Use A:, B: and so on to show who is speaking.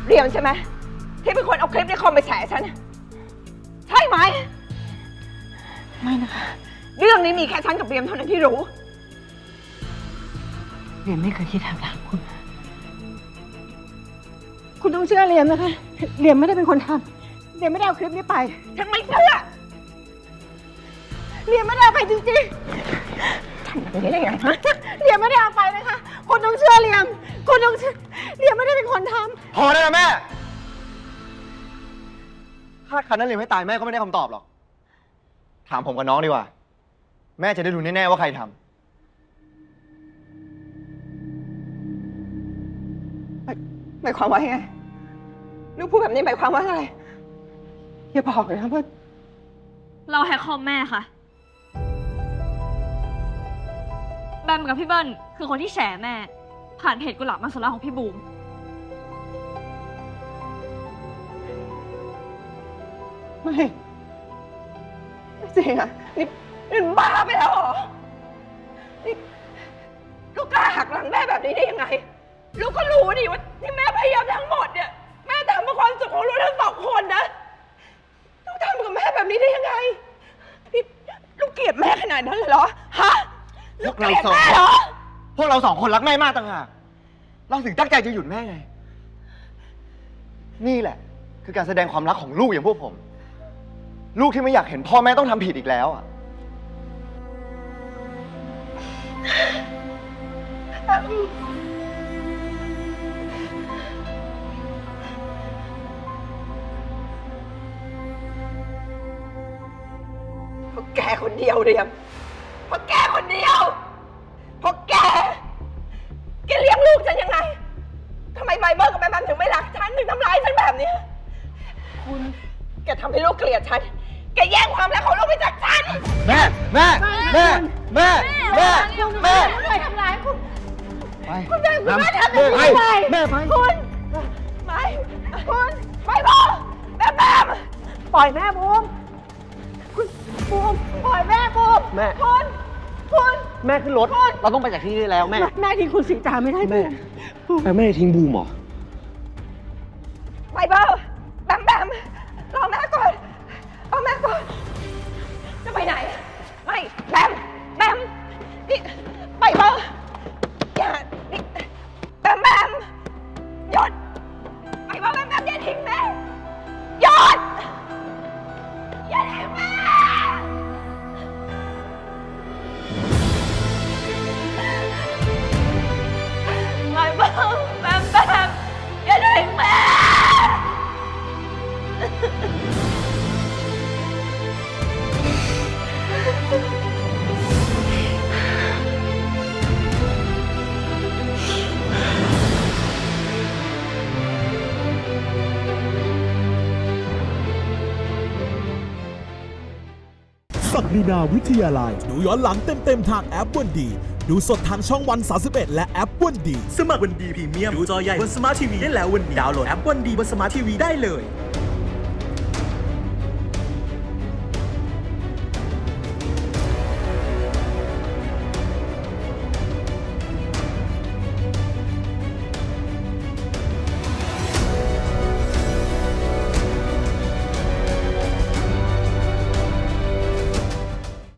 A: เรียมใช่ไหมที่เป็นคนเอาคลิปในคอมไปแฉฉันใช่ไหมไม่นะคะเรื่องนี้มีแค่ฉันกับเรียมเท่านั้นที่รู้เรียมไม่เคยคิดทำร้ายคุณต้องเชื่อเรียมนะคะเรียมไม่ได้เป็นคนทำเรียมไม่ได้เอาคลิปนี้ไปฉันไม่เชื่อเรียมไม่ได้เอาไปจริงๆทำแบบนี้ได้ไงฮะเรียมไม่ได้เอาไปนะคะคุณต้องเชื่อเรียมคุณต้องเชื่อเรียมไม่ได้เป็นคนทำ
B: พอได้แล้วแม่คาดคันนั้นเลยไม่ตายแม่ก็ไม่ได้คำตอบหรอกถามผมกับน้องดีกว่าแม่จะได้รู้แน่ๆว่าใครทำ
A: หมายความว่าไงลูกพูดแบบนี้หมายความว่าอะไรอย่าบอกเลยนะว่า
C: เราแฮกคอมแม่ค่ะแบมกับพี่เบิ้ลคือคนที่แฉแม่ผ่านเพจกุหลาบมังสวิรัติของพี่บูม
A: ไม่จริงอ่ะนี่บ้าไปแล้วเหรอนี่ลูกกล้าหักหลังแม่แบบนี้ได้ยังไงลูกก็รู้ดิว่าที่แม่พยายามทั้งหมดเนี่ยแม่ทำเพื่อความสุขของลูกทั้งสองคนนะลูกทำกับแม่แบบนี้ได้ยังไงนี่ลูกเกลียดแม่ขนาดนั้นเลยเหรอฮะลูกเกลียดแม่เหรอ
B: พวกเราสองคนรักแม่มากต่างหากเราถึงตั้งใจจะหยุดแม่ไงนี่แหละคือการแสดงความรักของลูกอย่างพวกผมลูกที่ไม่อยากเห็นพ่อแม่ต้องทำผิดอีกแล้วอ่ะ
A: เพราะแกคนเดียวเรียมเพราะแกคนเดียวเพราะแกเลี้ยงลูกฉันยังไงทำไมไบเบิลกับแบมถึงไม่รักฉันถึงทำร้ายฉันแบบนี้คุณแกทำให้ลูกเกลียดฉันแกแย่งความรักของลูกไปจากฉัน
B: แม่
A: ไม่ทำร้ายคุณคุณแม่ทำแบบนี้ไป
B: แม่ไป
A: คุณไม่คุณไม่พอแบมปล่อยแม่บูมคุณบูมปล่อยแม่บูม
B: แม่
A: คุณ
B: แม่ขึ้นรถเราต้องไปจากที่นี่แล้วแม่
A: ทิ้งคุณสิงตาไม่ได้
B: แม่แม่ทิ้งบูมเหรอ
A: ไบเบิลแบมรอแม่ก่อนเอาแม่ก่อนจะไปไหนไม่แบมนี่ไบเบิลอย่านี่แบมหยุดไบเบิลแบมอย่าทิ้งแม่หยุดอย่าทิ้งแม่ไบเบิลแบมอย่าทิ้งแม่
D: ศักดินาวิทยาลัยดูย้อนหลังเต็มๆทางแอปวันดี ดูสดทางช่องวัน 31 และแอปวันดี
E: สมัครวันดีพรีเมียมดูจอใหญ่บนสมาร์ททีวีได้แล้ววันนี้ดาวน์โหลดแอปวันดีบนสมาร์ททีวีได้เลย